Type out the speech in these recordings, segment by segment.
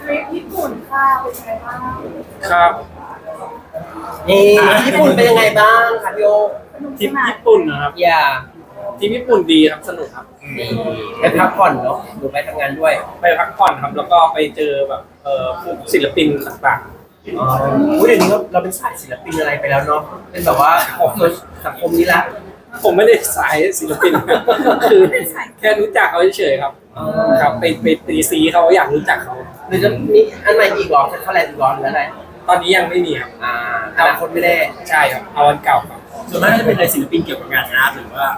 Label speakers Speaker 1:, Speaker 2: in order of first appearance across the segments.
Speaker 1: ริปญี่ปุ่นค่ะเป็นไงบ้าง
Speaker 2: ครับ
Speaker 3: นี่ญี่ปุ่นเป็นยังไงบ้างครับพี่โอ
Speaker 1: สนุก
Speaker 2: ที
Speaker 1: ส
Speaker 2: ม
Speaker 1: นาน
Speaker 2: ญี่ปุ่นนะครับ
Speaker 3: อย่า
Speaker 2: ทีมญี่ปุ่นดีครับสนุกครับ
Speaker 3: นี่ไปพักผ่อนเนาะหรือไปทำงานด้วย
Speaker 2: ไปพักผ่อนครับแล้วก็ไปเจอแบบพวกศิลปินต่าง
Speaker 3: อ๋ออุ๊ยเดี๋ยวนี้เราเป็นสายศิลปินอะไรไปแล้วเนาะเป็นแบบว่าของสังคมนี้ละ
Speaker 2: ๆผมไม่ได้สายศิลปิน คือแค่รู้จักเขาเฉยๆครับครับไปตีซีเขาอยากรู้จักเขา
Speaker 3: หรือจะมีอันใหม่อีกเหรอจะเข้าแลนด์อีกเหรอหรืออะไร
Speaker 2: ตอนนี้ยังไม่มีครับ
Speaker 3: อนาคตไม่ได้
Speaker 2: ใช่ครับเอาวันเก่าครับ
Speaker 4: ส่วนมากจะเป็นอะไรศิลปินเกี่ยวกับงานอาร์ตหรือว่า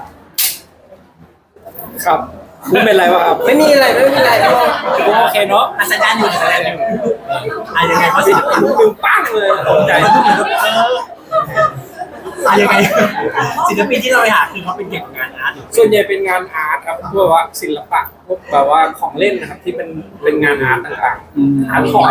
Speaker 2: ครับไม่เป็นไรวะครับ
Speaker 3: ไม่มีอะไรไม่มีอะไรพี่โอ
Speaker 2: ผมโอเคเนาะ
Speaker 4: อาจารย์อยู่อาจารย์อยู่ยังไงเพราะศิลปิน
Speaker 2: ดูปั้งเลยตกใจ
Speaker 4: ยังไงศิลปินที่เราไปหาคือเขาเป็นเกี่ยวกับงานอาร์ต
Speaker 2: ส่วนใหญ่เป็นงานอาร์ตครับพวกว่าศิลปะพวกแบบว่าของเล่นนะครับที่เป็นงานอาร์ตต่างๆอาร์ตทอย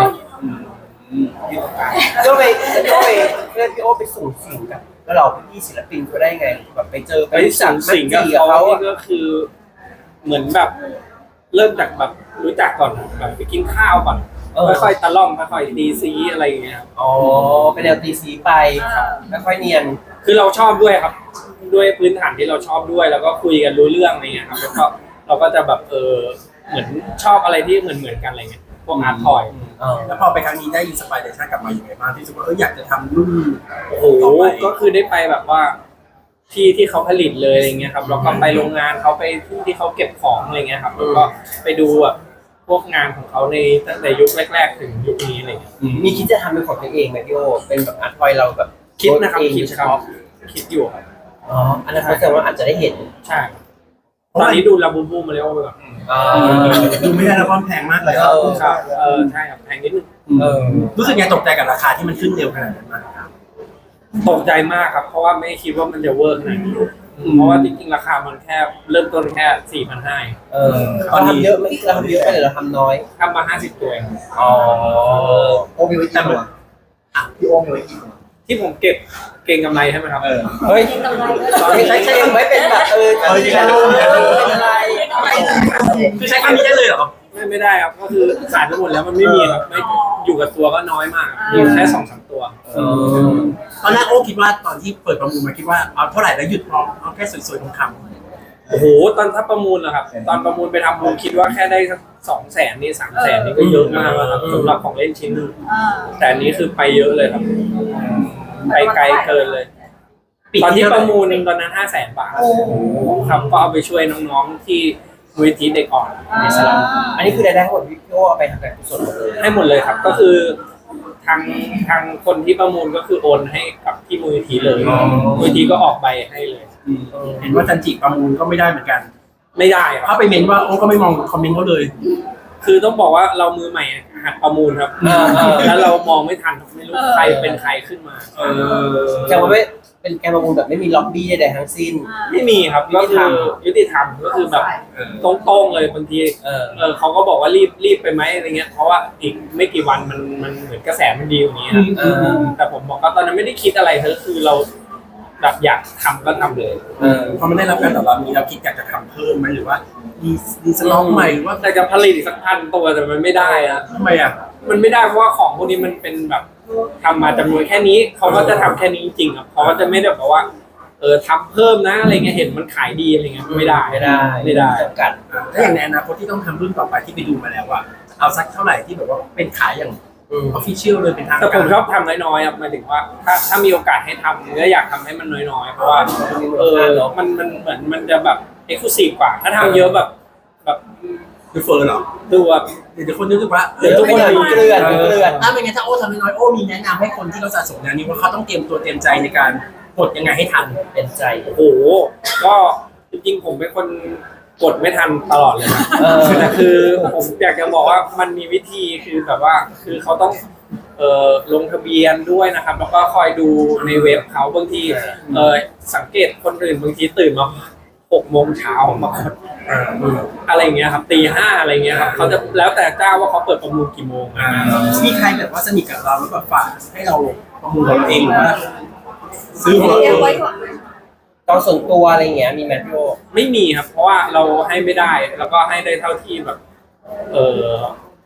Speaker 3: ก็ไปเพื่อนพี่โอไปส่งสิ่งกับแล้วเราพี่ศิลปินเขาได้ไงแบบไปเจอ
Speaker 2: ไปสั่งสิ่งกับ
Speaker 3: กับ
Speaker 2: เขา
Speaker 3: เขา
Speaker 2: นี่ก็คือเหมือนแบบเริ่มจากแบบรู้จักก่อนแบบไปกินข้าวก่อนค่อยๆตะล่อมค่อยๆดีซีอะไรอย่างเงี้ยครับ
Speaker 3: อ๋อเป็นแนวตีสีไปไม่ค่อยเนียน
Speaker 2: คือเราชอบด้วยครับ ด้วยพื้นฐานที่เราชอบด้วย แล้วก็คุยกันรู้เรื่องอะไรเงี้ยครับแล้วก็เราก็จะแบบเหมือนชอบอะไรที่เหมือนกันอะไรเงี้ยพวกอาร์ตทอย
Speaker 4: แล้วพอไปครั้งนี้ได้อินสปิเรชันกลับมาอย่างไรบ้างที่รู้สึกว่าอยากจะทำรุ่น
Speaker 2: โอ้โหก็คือได้ไปแบบว่าที่เขาผลิตเลยอะไรเงี้ยครับแล้วก็ไปโรงงานเขาไปที่เขาเก็บของอะไรเงี้ยครับแล้วก็ไปดูแบบพวกงานของเขาในตั้งแต่ยุคแรกๆถึงยุคนี้อะไรเงี้ย
Speaker 3: มีคิดจะทำเป็นของตัวเองไหมพี่โอเป็นแบบอาร์ตทอยเราแบบ
Speaker 2: คิดนะครับ
Speaker 3: เอง
Speaker 2: คิด
Speaker 3: เฉ
Speaker 2: ครับ
Speaker 3: พาะ
Speaker 2: คิดอยู่ครับ
Speaker 3: อ๋ออันนั้นแสดงว่าอาจจะได้เห็น
Speaker 2: ใช่ครับตอนนี้ดูลาบูบูมาเร็วไปก่อน
Speaker 4: ดูไม่ได้แล้วความแพงมากเลย
Speaker 2: ครับใช่ครับแพงนิดนึง
Speaker 4: รู้สึกไงตกใจกับราคาที่มันขึ้นเร็วขนาดนั้นมากครับ
Speaker 2: ตกใจมากครับเพราะว่าไม่คิดว่ามันจะเวิร์กขนาดนี้เพราะว่าจริงๆราคามันแค่เริ่มต้นแค่4,500
Speaker 3: เราทำเยอะไหมเราทำเยอะไปหรือเราทำน้อย
Speaker 2: ทำมา50ตัวเอง
Speaker 3: อ๋อ
Speaker 5: โอมีไว้กี่ตัวพี่โอมีไว้กี่ตัว
Speaker 2: ที่ผมเก็บเก็งกำไรใช่ไหมครับ
Speaker 3: เฮ้ยใช้ไว้เป็นแบบใช้เป็นอะไร
Speaker 4: คือใช้คำนี้ได้เลยเหรอ
Speaker 2: ไม่ได้ครับก็คือขายไปหมดแล้วมันไม่มีครับไม่อยู่กับตัวก็น้อยมากมีแค่2-3 ตัว
Speaker 4: ตอนแรกโอ้คิดว่าตอนที่เปิดประมูลมาคิดว่าเอาเท่าไหร่แล้วหยุดพร้อมเอาแค่สวยๆทองคำ
Speaker 2: โอ้โหตอนถ้าประมูลเหรอครับตอนประมูลไปทำผมคิดว่าแค่ได้สัก200,000นี่300,000นี่ก็เยอะมากแล้วครับสำหรับของเล่นชิ้นนึงแต่อันนี้คือไปเยอะเลยครับไปไกลเกินเลยตอนที่ประมูลตอนนั้น500,000 บาทครับก็เอาไปช่วยน้องๆที่มูลนิธิเด็กอ่อนในสลัม
Speaker 3: อันนี้คือรายได้ทั้งหมดพี่โอเอาไปทำการกุศลหมดเลย
Speaker 2: ให้หมดเลยครับก็คือทางคนที่ประมูลก็คือโอนให้กับที่มูลนิธิเลยมูลนิธิก็ออกใบให้เลย
Speaker 4: เห็นว่าจันจิประมูลก็ไม่ได้เหมือนกัน
Speaker 2: ไม่ได้ค
Speaker 4: ถ้า
Speaker 2: รับ
Speaker 4: ไปเมนว่าโอ้ก็ไม่มองคอมเมนต์เขาเลย
Speaker 2: คือต้องบอกว่าเรามือใหม่หัดประมูลครับแล้วเรามองไม่ทันไม่รู้ใครเป็นใครขึ้นมา
Speaker 3: แต่ว่าไม่เป็นการประมูลแบบไม่มีล็อบบี้ใดๆทั้งสิ้น
Speaker 2: ไม่มีครับก็คือยุติธรรมก็คือแบบตรงๆเลยบางทีเขาก็บอกว่ารีบไปไหมอะไรเงี้ยเพราะว่าอีกไม่กี่วันมันเหมือนกระแสมันดีอย่างนี้ครับแต่ผมบอกว่าตอนนั้นไม่ได้คิดอะไรคือเราแบบอยากทำก็ทำเลย
Speaker 4: พอมันได้รับการตอบรับนี้เราคิดอยากจะทำเพิ่มไหมหรือว่ามีสลองใหม่หรือว่า
Speaker 2: แต่จะผลิตอีกสัก1,000 ตัวแต่มันไม่ได้อะ
Speaker 4: ทำไมอ่ะ
Speaker 2: มันไม่ได้เพราะว่าของพวกนี้มันเป็นแบบทำมาจำนวนแค่นี้เขาก็จะทำแค่นี้จริงๆครับเขาก็จะไม่ได้แบบว่าทำเพิ่มนะอะไรเงี้ยเห็นมันขายดีอะไรเงี้ยไม่ได้
Speaker 3: จำกัด
Speaker 4: ถ้าอย่างในอนาคตที่ต้องทำรุ่นต่อไปที่ไปดูมาแล้วว่าเอาสักเท่าไหร่ที่แบบว่าเป็นขายอย่างออฟฟิเชียลเลยเป็นทาง
Speaker 2: แต่
Speaker 4: การ
Speaker 2: ผมชอบทำน้อยๆครับหมายถึงว่าถ้ามีโอกาสให้ทำก็อยากทำให้มันน้อยๆเพราะว่ามันเหมือนมันจะแบบเอ็กซ์คลูซีฟกว่าถ้าทำเยอะแบบ
Speaker 4: ดูเฟอร์เหรอ
Speaker 2: ดูแบบ
Speaker 4: เดี๋ยวคนนึกว่า
Speaker 3: เดี๋ยวทุกคนเกลื่อน
Speaker 4: ถ้าเป็นไงถ้าโอ้ทำน้อยโอ้มีแนะนำให้คนที่เขาสะสมแนวนี้ว่าเขาต้องเตรียมตัวเตรียมใจในการกดยังไงให้ทัน
Speaker 3: เป็นใจ
Speaker 2: โอ้โหก็จริงๆผมเป็นคนกดไม่ทันตลอดเลยนะแต่คือผมอยากจะบอกว่ามันมีวิธีคือแบบว่าคือเขาต้องลงทะเบียนด้วยนะครับแล้วก็คอยดูในเว็บเขาบางทีสังเกตคนอื่นบางทีตื่นมา6 โมงเช้ามากดอะไรอย่างเงี้ยครับตี 5อะไรเงี้ยครับเขาจะแล้วแต่เจ้าว่าเขาเปิดประมูลกี่โมง
Speaker 4: มีใครแบบว่าสนิทกับเราแล้วแบบฝากให้เราประมูลเราเองหรือว่าซื้อของ
Speaker 1: เรียก
Speaker 4: เรา
Speaker 1: ไว้
Speaker 4: เอง
Speaker 1: ก่อน
Speaker 3: ตอนส่วนตัวอะไรเงี้ยมีแมทโย
Speaker 2: ไม่มีครับเพราะว่าเราให้ไม่ได้แล้วก็ให้ได้เท่าที่แบบ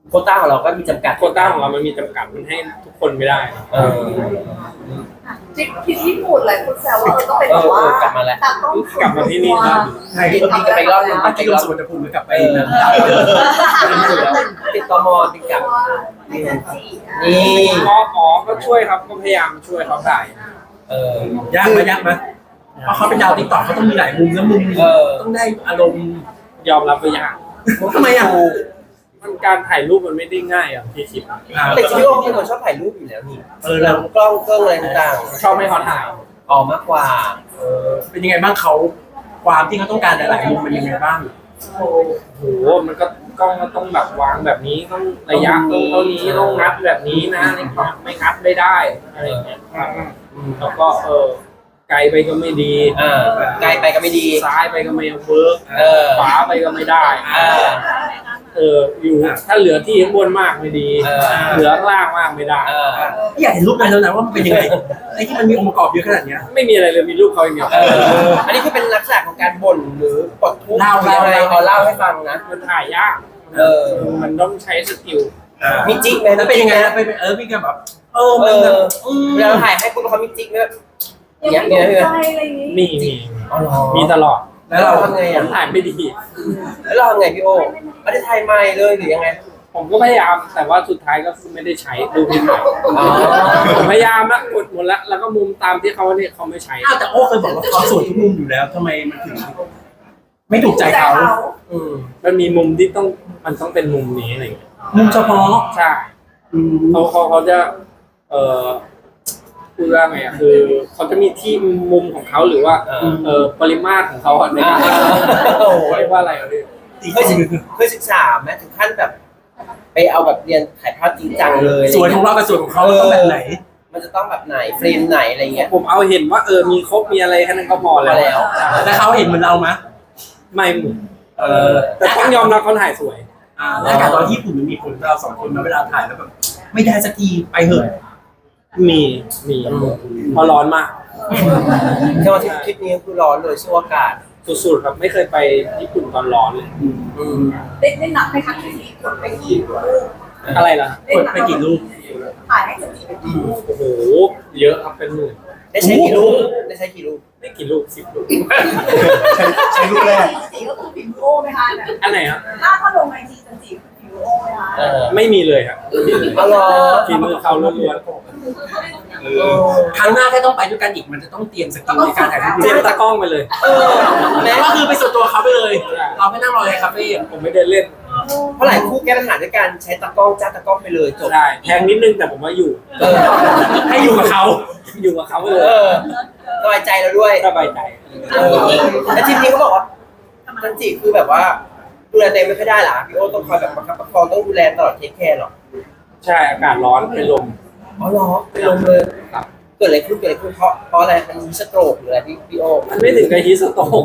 Speaker 3: โควต้าของเราก็มีจำกัด
Speaker 2: โควต้าของเรามันมีจำกัดมันให้ทุกคนไม่ได้
Speaker 1: ทริปที่ญี่ปุ่นหลายคนแซวว่าต้องเป็นแบบว่าก
Speaker 3: ลับมาแล้ว
Speaker 1: ตากล้อง
Speaker 2: กลับมาที่นี่ครับ
Speaker 4: ใช่
Speaker 3: บินกลับไปรอบนึง
Speaker 4: ถ้ากินลงสวนภูมิหรือกลับไปนะ
Speaker 3: ติดตมติดกับ
Speaker 1: ไม่จันจี
Speaker 3: นี่
Speaker 2: ก็ช่วยครับก็พยายามช่วยเขาถ่าย
Speaker 4: ยากไหมเพราะเขาเป็นดาวติ๊กต็อกเขาต้องมีหลายมุมแล้วมุมต้องได้อารมณ์
Speaker 2: ยอมรับไปอย่าง
Speaker 4: ทำไมอ่ะ
Speaker 2: มันการถ่ายรูปมันไม่ได้ง่ายอ่ะที่คิด
Speaker 3: แต่จริงๆพี่โอเป็นคนชอบถ่ายรูปอยู่แล้วนี่เรากล้องเครื่องอะไรต่าง
Speaker 2: ชอบให้เขาถ่าย
Speaker 3: ๆออกมากกว่า
Speaker 4: เป็นยังไงบ้างเขาความที่เขาต้องการหลายๆมุมเป็นยังไงบ้าง
Speaker 2: โอ้โหมันก็กล้องก็ต้องแบบวางแบบนี้ต้องระยะต้องเท่านี้ต้องงัดแบบนี้นะไม่งัดไม่ได้อะไรอย่างเงี้ยแล้วก็ไกลไปก็ไม่ดี
Speaker 3: ไกลไปก็ไม่ดี
Speaker 2: ซ้ายไปก็ไม่เวิร์กขวาไปก็ไม่ได้อยู่ถ้าเหลือที่ข้างบนมากไม่ดีเหลือข้างล่างมากไม่ได้
Speaker 4: อยากเห็นรูปนั้นแล้วนะว่ามันเป็นยังไงไอ้ที่มันมีองค์ประกอบเยอะขนาดเนี้ย
Speaker 2: ไม่มีอะไรเลยมีรูปเขาอย่างเดียว
Speaker 3: อันนี้คือเป็นลักษณะของการบ่นหรือปลดทุกข์อะไรเอาเล่าให้ฟังนะ
Speaker 2: มันถ่ายยากมันต้องใช้สกิล
Speaker 3: มีจิ๊กไหม
Speaker 4: แล้วเป็นยังไงนะเป็นพี่ก็แบบมันแบบ
Speaker 3: เวลาถ่ายให้คุณเขามีจิ๊กไหม
Speaker 1: ยังไม่ตกใจอะไรอย่างนี้
Speaker 2: มีตลอด
Speaker 3: แล้วเราทำไง
Speaker 2: ผมถ่ายไม่ดี
Speaker 3: แล้วเราทำไงพี่โอไม่ได้ถ่ายใหม่เลยหรือยังไง
Speaker 2: ผมก็พยายามแต่ว่าสุดท้ายก็คือไม่ได้ใช้รูปที่ถ่ายผมพยายามละกดหมดละแล้วก็มุมตามที่เขาเนี่ยเขาไม่ใช้
Speaker 4: แต่โอ้เคยบอกว่าเขาสวยทุกมุมอยู่แล้วทำไมมันถึงไม่ถูกใจเขา
Speaker 2: มันมีมุมที่มันต้องเป็นมุมนี้อะไรอย่างเงี้ย
Speaker 4: มุมเฉพาะ
Speaker 2: ใช่เขาจะพูดว่าไงอ่ะคือเขาจะมีที่มุมของเขาหรือว่าปริมาตรของเขาในการเรียกว่าอะไรอ่ะพี่
Speaker 3: เคยศึกษาไหมถึงขั้นแบบไปเอาแบบเรียนถ่ายภาพจริงจังเลย
Speaker 4: สวยของเรากับสวยของเขาต้องแบบไหน
Speaker 3: มันจะต้องแบบไหนเฟรมไหนอะไรเงี้ย
Speaker 2: ผมเอาเห็นว่ามีครบมีอะไรแค่นั้นก็พอแล้ว
Speaker 4: แล้วเขาเห็นเหมือนเราไหม
Speaker 2: ไม่เหมือนแต่ต้องยอมรับเขาถ่ายสวย
Speaker 4: แล้วการตอนที่ญี่ปุ่นมันมีผลเราสองคนมาเวลาถ่ายแล้วแบบไม่ได้สักทีไปเหอะ
Speaker 2: มีเพราะร้อนมาก
Speaker 3: แค่ว่าทริปนี้คือร้อนเลยสู้อากาศ
Speaker 2: สุดๆครับไม่เคยไปญี่ปุ่นตอนร้อนเลย
Speaker 1: ได้นับไหมคะที่นี้กดไปกี่รูป
Speaker 2: อะไรล่ะ
Speaker 4: กดไปกี่รูป
Speaker 1: ถ่ายให้จันจีไปกี่รูป
Speaker 2: โอ้โหเยอะครับเป็นหมื่น
Speaker 3: ได้ใช้กี่รูปได้ใช้กี่รูป
Speaker 2: ไม่กี่ลูก10 ลูก
Speaker 5: ใช้รูปแรก
Speaker 1: จันจีก็คือผิวโอไหมคะเนี่ย
Speaker 2: อันไหนครับ
Speaker 1: ถ้าลงไอจีจันจีคือผิวโอไหมคะ
Speaker 2: ไม่มีเลยครับ
Speaker 3: อ๋อเหรอ
Speaker 2: ฝีมือเขาล้วน
Speaker 4: ครั้งหน้าถ้าต้องไปด้วยกันอีกมันจะต้องเตรียมสกิลในการถ่ายรูป
Speaker 2: ๆเตรียมตากล้องไปเลย
Speaker 3: แม้
Speaker 4: ก็คือไปส่วนตัวเขาไปเลย เราไม่นั่งรอในคาเฟ่
Speaker 2: ผมไม่เดินเล่น
Speaker 3: เพราะหลายคู่แก้ปัญหาด้วยการใช้ตากล้องจ้าตากล้องไปเลยจบ
Speaker 2: ใช่แพงนิดนึงแต่ผมว่าอยู่
Speaker 4: ให้อยู่กับเขา
Speaker 2: อยู่กับเขาไปเลย
Speaker 3: สบายใจเราด้วย
Speaker 2: สบายใจ
Speaker 3: แล้วทีนี้เขาบอกว่าจันจิคือแบบว่าดูแลตัวเองไม่ค่อยได้หรอพี่โอต้องคอยแบบประคับประคองต้องดูแลตลอดเทคแคร์หรอ
Speaker 2: ใช่อากาศร้อนเป็นลม
Speaker 3: อ๋อเหรอเป็นลมเลยเกิดอะไรขึ้นเพราะอะไรมันมีสโตรกหรืออะไรพี่โอ
Speaker 2: มันไม่ถึงกับฮีสโตก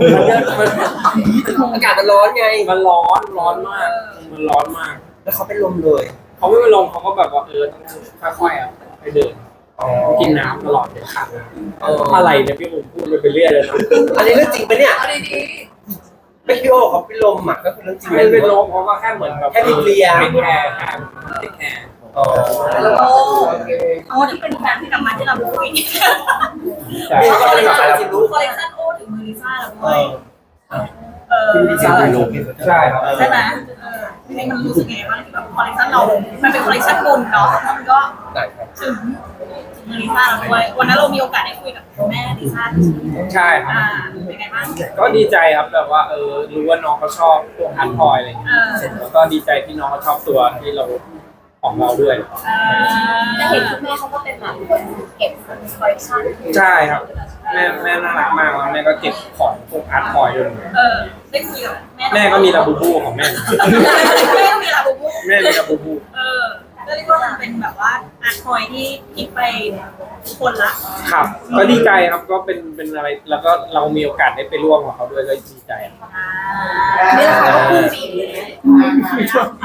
Speaker 2: มัน
Speaker 3: อากาศมันร้อนไง
Speaker 2: มันร้อนมากมันร้อนมาก
Speaker 3: แล้วเขาเป็นลมเลย
Speaker 2: เขาไม่ไปลงเขาก็แบบว่าต้องค่อยๆไปเดินกินน้ำตลอดเลยขาดน้ำอะไรเนี่ยพี่ผมพูดไปเรื่อยเลยนะ
Speaker 3: อันนี้เรื่องจริงปะเนี่ย
Speaker 1: เอาดี
Speaker 3: ไม่พี่โอเขาเป็นลมอ่ะก็คือเรื่องจริง
Speaker 2: ไม่เป็นลมเขาก็แค่เหมือนแบบ
Speaker 3: แค่มีเคลียร์
Speaker 2: แค่แค่แค่
Speaker 3: อ๋อ
Speaker 1: ๆโอ้
Speaker 6: โอ้ที่เป็นแฟนที่กลับมาที่เราคุย
Speaker 2: ใช่
Speaker 3: ไม่ก็เลยแบบจริงรู้
Speaker 6: คอลเลคชันโอ้ถึงมือลิซ่าแล้วด้วย
Speaker 2: ใช่ครับ
Speaker 6: ใช่ไหมทีนี้มันรู้สึกยังไงบ้างที่แบบคอลเลคชันเรา มันเป็นคอลเลคชันบุญเนาะแล้วมันก็
Speaker 3: ได้ครับ
Speaker 6: ถึงมือลิซ่าแล้วด้วยวันนั้นเรามีโอกาสได้คุยกับแม่ลิซ่า
Speaker 2: ใช่ครับ
Speaker 6: เป็นไงบ้าง
Speaker 2: ก็ดีใจครับแบบว่ารู้ว่าน้องเขาชอบพวกอาร์ตทอยอะไรอย่างเงี้ยแล้วก็ดีใจที่น้องเขาชอบตัวที่เราของเราด้วย
Speaker 1: จะเห็นคุณแม่เขาก็เป็นแบบคนเก็บคอลเลคชั่น
Speaker 2: ใช่ครับแม่น่ารักมากแล้วแม่ก็เก็บของพวกอาร์ตทอยด้วย
Speaker 6: ได้คุยกับ
Speaker 2: แม่
Speaker 6: แม่
Speaker 2: ก็มีลาบูบูของแม่
Speaker 6: แม่ก็มีลาบูบู
Speaker 2: แม่มีลาบูบู
Speaker 6: ก็เรียกว่ามันเป็นแบบว่าอาร์ตทอยที่คิดไปทุกคนละ
Speaker 2: ครับก็ดีใจครับก็เป็นอะไรแล้วก็เรามีโอกาสได้ไปร่วมกับเขาด้วยก็ดีใจครับ
Speaker 1: นี่แหละค่ะก็คือสี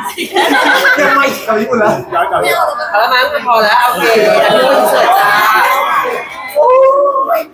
Speaker 5: ยังไม่เอาญี่ปุ่นแล้วย้อนกลับ
Speaker 1: ไม่เอา
Speaker 3: เอาละมั้งพอแล้วโอเคแล้วพี่โอเสิร์ฟจ้า